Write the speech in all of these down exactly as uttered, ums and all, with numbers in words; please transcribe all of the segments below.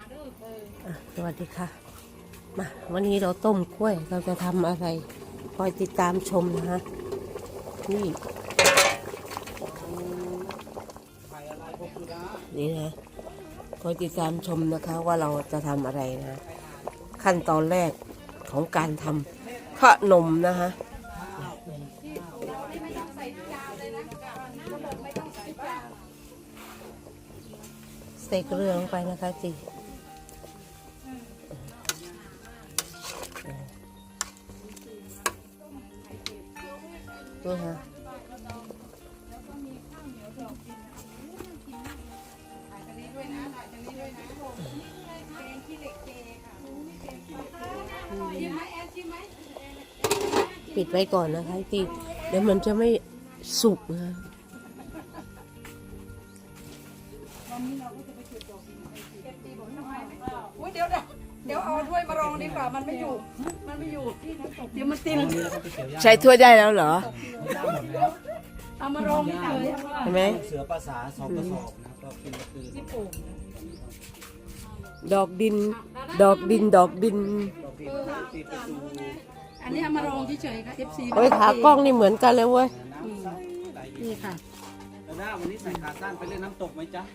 สวัสดีค่ะมาวันนี้เราต้มกล้วยเราจะทำอะไรคอยติดตามชมนะฮะนี่นี่นะคอยติดตามชมนะคะว่าเราจะทำอะไรนะขั้นตอนแรกของการทำขนมนะฮะใส่เกลือลงไปนะคะจีนี่ฮะปิดไว้ก่อนนะคะจีเดี๋ยวมันจะไม่สุกนะเดี๋ยวเดี๋ยวเอาถ้วยมารองดีกว่ามันไม่อยู่มันไม่อยู่เดี๋ยวมันติดใช้ถ้วยได้แล้วเหรอเอามารองนี่เลยใช่ไหมเสือภาษาสองกระสอบนะครับก็เป็นคือที่ปลูกดอกดิน ดอกดินดอกดินอันนี้เอามารองเฉยๆค่ะ เอฟ ซีโอ้ยขากล้องนี่เหมือนกันเลยเว้ยนี่ค่ะแล้วหน้าวันนี้ใส่ขาสั้นไปเล่นน้ำตกไหมจ๊ะ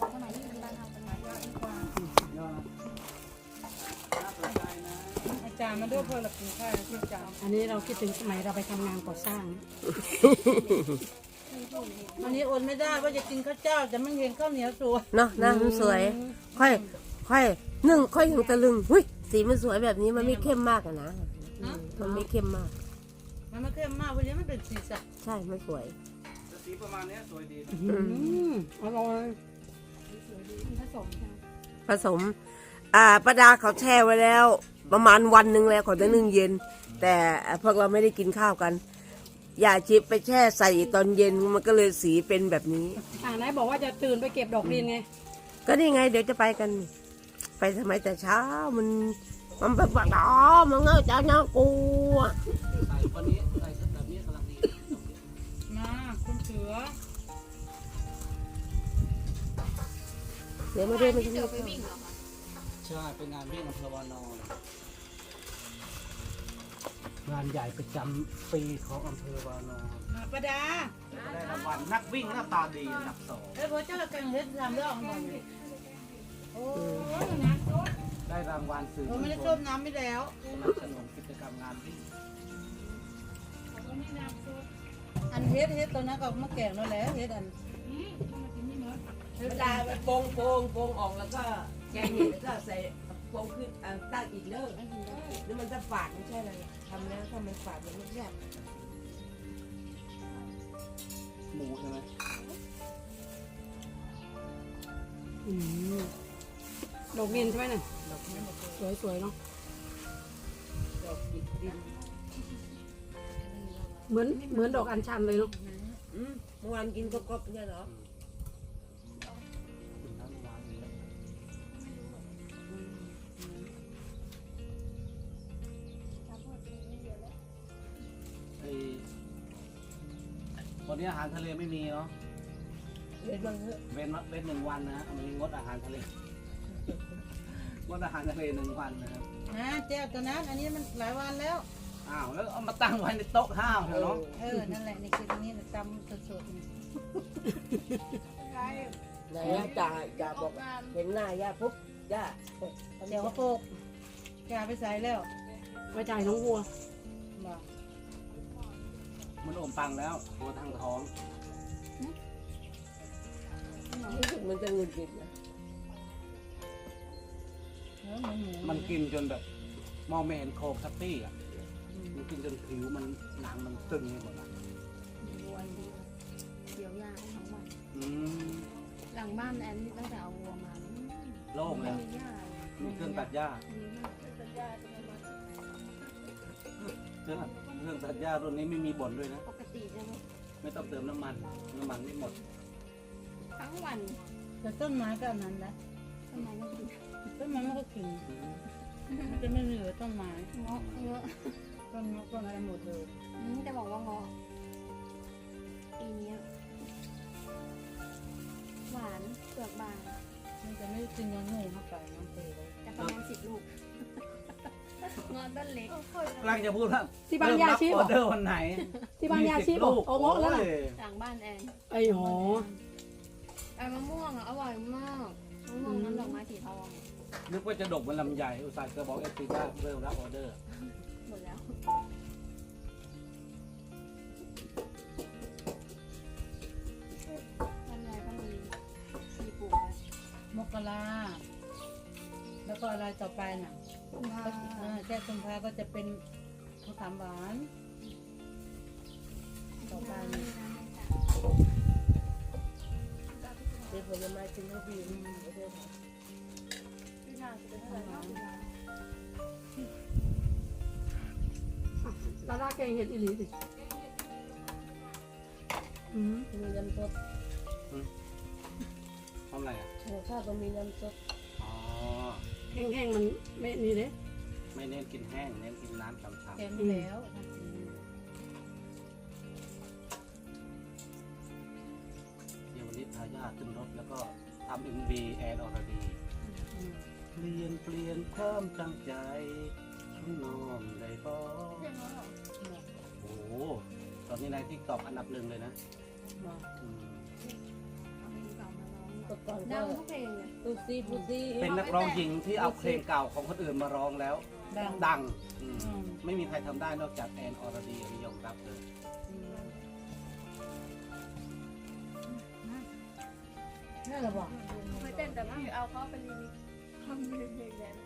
อาจารย์มาด้วยเพื่อหลับกินข้าวที่อาจารย์อันนี้เราคิดถึงสมัยเราไปทำงานก่อสร้างวันนี้อดไม่ได้ว่าจะกินข้าวเจ้าจะไม่เห็นข้าวเหนียวสวยเนาะหน้ามันสวย ค่อยค่อยนึ่งค่อยถึงตะลึงหุ้ยสีมันสวยแบบนี้มันไม่เข้มมากอะนะมันไม่เข้มมากมันไม่เข้มมากวันนี้มันเป็นสีสันใช่มันสวยสีประมาณนี้สวยดีนะอืมอร่อยผสมผสม อ่าประดาเขาแช่ไว้แล้ว ประมาณวันหนึ่งแล้วเขาจะนึ่งเย็น แต่พวกเราไม่ได้กินข้าวกันอย่าชิปไปแช่ใส่ตอนเย็นมันก็เลยสีเป็นแบบนี้อ่าไหนบอกว่าจะตื่นไปเก็บดอกดินไงก็นี่ไงเดี๋ยวจะไปกัน ไปทำไมแต่เช้ามันมันแบบว่าอ๋อมันเงาจ้าเงากูอะใส่วันนี้ใส่แบบนี้กำลังดีมาคุณเสือเดี๋ยวมาเดินมาที่นี่ใช่เป็นงานวิ่งอำเภอวานอนงานใหญ่ประจำปีของอำเภอวานอนประดาได้รางวัลนักวิ่งหน้าตาดีอันดับสองเอ้ยพอเจ้ากันเฮ็ดทำเรื่องของมันโอ้ยได้รางวัลสื่อเราไม่ได้ชมน้ำไม่แล้วสนับสนุนกิจกรรมงานวิ่งอันเฮ็ดเฮ็ดตัวนั้นก็มาแกงแล้วแหละเฮ็ดอันเวลาไปโปงโปงโปงออกแล้วก็แกงเห็ดแล้วก็ใส่โปงขึ้นอ่าตั้งอีกเลิกแล้วมันจะฝาดไม่ใช่อะไรทำแล้วถ้ามันฝาดมันไม่แซ่บหมูใช่ไหมอืมดอกดินใช่ไหมน่ะสวยสวยๆเนาะดอกดินดินเหมือนเหมือนดอกอัญชันเลยเนาะอืมเมื่อวานกินกรอบๆเนี่ยเหรอไอ้วันนี้อาหารทะเลไม่มีเนาะเล่นบ้างเถอะเว้นเว้นหนึ่งวันนะฮะวันนี้งดอาหารทะเลงดอาหารทะเลหนึ่งวันนะครับนะแจ้วตัวนั้นอันนี้มันหลายวันแล้วอ้าวแล้วเอามาตั้งไว้ในโต๊ะข้าวเนาะเออนั่นแหละนี่คือตรงนี้ตำสดๆนี่ไหนอะจ่าจ่าบอกเห็นหน้าย่าปุ๊บย่าเดี๋ยวก็โปกแกไปใส่แล้วไปจ่ายน้องวัวบอกมันอมปังแล้วตัวทางท้องรู้สึกมันจะหงุดหงิดนะเออหมูหมูมันกินจนแบบมองไม่เห็นโครงสักตี้อ่ะมันกินจนผิวมันหนังมันตึงไปหมดอ่ะวัวดีเกี่ยวยาทั้งวันอืมหลังบ้านแอนนี่ตั้งแต่เอาวัวมาอืมโล่งไม่แล้วมีหญ้าเลยมีเครื่องตัดหญ้ามีหญ้าต้นหญ้าจะไม่มาเครื่องเครื่องตัดหญ้ารุ่นนี้ไม่มีบ่นด้วยนะปกติจะไม่ต้องเติมน้ำมันน้ำมันไม่หมดทั้งวันแต่ต้นไม้ก็อันนั้นนะทำไมไม่กินต้นไม้มันก็กินอืมมันจะไม่เหลือต้นไม้เงาะเยอะต้นนกต้นอะไรหมดเลยอืมจะบอกว่าเงาะปีเนี้ยหวานเปลือกบางมันจะไม่กินเนื้องูเข้าไปน้องเตยลูกงอนต้นเล็กกำลังจะพูดว่าที่บ้านยาชีพเริ่มรับออเดอร์วันไหนที่บ้านยาชีพมีสิบลูกโอ้โหแล้วล่ะโอ้ยหลังบ้านแอนไอ้หอไอ้มะม่วงอ่ะอร่อยมากมะม่วงน้ำดอกไม้สีทองนึกว่าจะดกเหมือนลำไยอุตส่าห์จะบอกเอฟซีว่าเริ่มรับออเดอร์หมดแล้วลำไยก็มีมีปลูกไว้มกราแล้วก็อะไรต่อไปน่ะเออแค่กุมภาก็จะเป็นมะขามหวานต่อไปนี่เดี๋ยวผลไม้กินข้าวบีมเดี๋ยวลาลาแกงเห็ดอีหลีสิอืมมีน้ำซดทำอะไรอ่ะหัวข้าวก็มีน้ำซดอ๋อแห้งๆมันไม่นี่เด้ไม่เน้นกินแห้ง เน้นกินน้ำฉ่ำแกงแล้วๆเดี๋ยววันนี้พาญาติขึ้นรถแล้วก็ทำเอ็มบีแอนอรดี เปลี่ยนเปลี่ยนความตั้งใจข้างนอกได้บ่โอ้โหตอนนี้ในทิกตอกอันดับหนึ่งเลยนะอืมเอาเพลงเก่ามาร้องตก่อนดัก็งทุกเพลงเลยตูซี่ปูซี่เป็นนักร้องหญิงที่เอาเพลงเก่าของคนอื่นมาร้องแล้วดังดังอืมอืมไม่มีใครทำได้นอกจากแอนอรดีอันนี้ยอมรับเลยนี่แหละบอกเคยเต้นแต่ไม่เอาเขาเป็นรีมิกซ์ทำเพลงเพลงแดน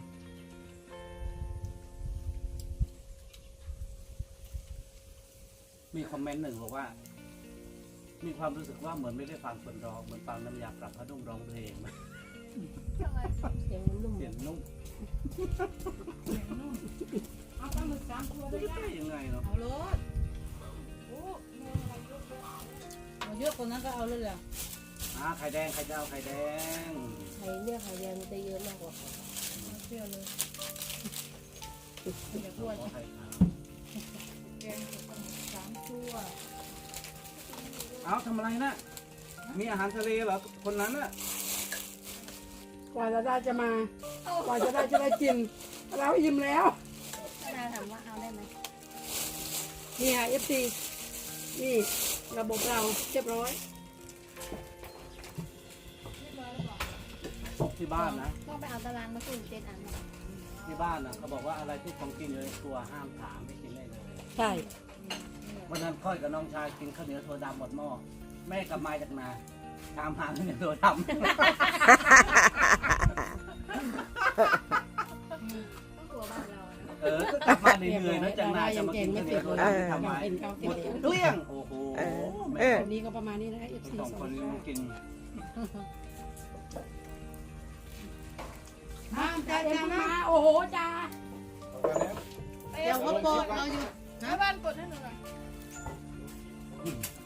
มีคอมเมนต์หนึ่งบอกว่า มีความรู้สึกว่าเหมือนไม่ได้ฟังคนร้องเหมือนฟังน้ำยาปรับผ้านุ่มร้องเพลงทำไมเสียงนุ่มเสียงนุ่มเอาปลาหมึกสามตัวได้ได้ยังไงเนาะเอาเลยเอาเยอะกว่านั้นก็เอาเลยแหละอ่าไข่แดงไข่จะเอาไข่แดงไข่เนี่ยไข่แดงมันจะเยอะมากกว่าเที่ยวเลยอย่าพูดขอไข่ขาวแกงสามตัวเอาทำอะไรนะมีอาหารทะเลเหรอคนนั้นน่ะกว่าจะได้จะมา กว่าจะได้จะได้กิน เราอิ่มแล้วเวลาถามว่าเอาได้ไหมนี่ค่ะ เอฟ ซี นี่ระบบเราเรียบร้อยที่บ้านนะต้องไปเอาตารางมาสุ่มเจ็ดอันมาที่บ้านนะเขาบอกว่าอะไรที่ของกินอยู่ในตัวห้ามถามไม่กินได้เลยใช่วันนั้นค่อยกับน้องชายกินข้าวเหนียวโซดาหมดหม้อแม่กลับมาจากนาตามหาข้าวเหนียวโซดาต้องตัวบ้านเรานะเออก็กลับมาเหนื่อยๆนะจากนาจะมากินข้าวเหนียวโซดาที่ทำไว้เป็นข้าวหเกมดลียวเกลี้ยงโอ้โหเอแม่อวันนี้ก็ประมาณนี้นะ เอฟ ซีสองคนนี้กินมาจ้าจ้ามาโอ้โหจ้าเดี๋ยวเขาเปิดเราอยู่แม่บ้านกดให้หนูหน่อย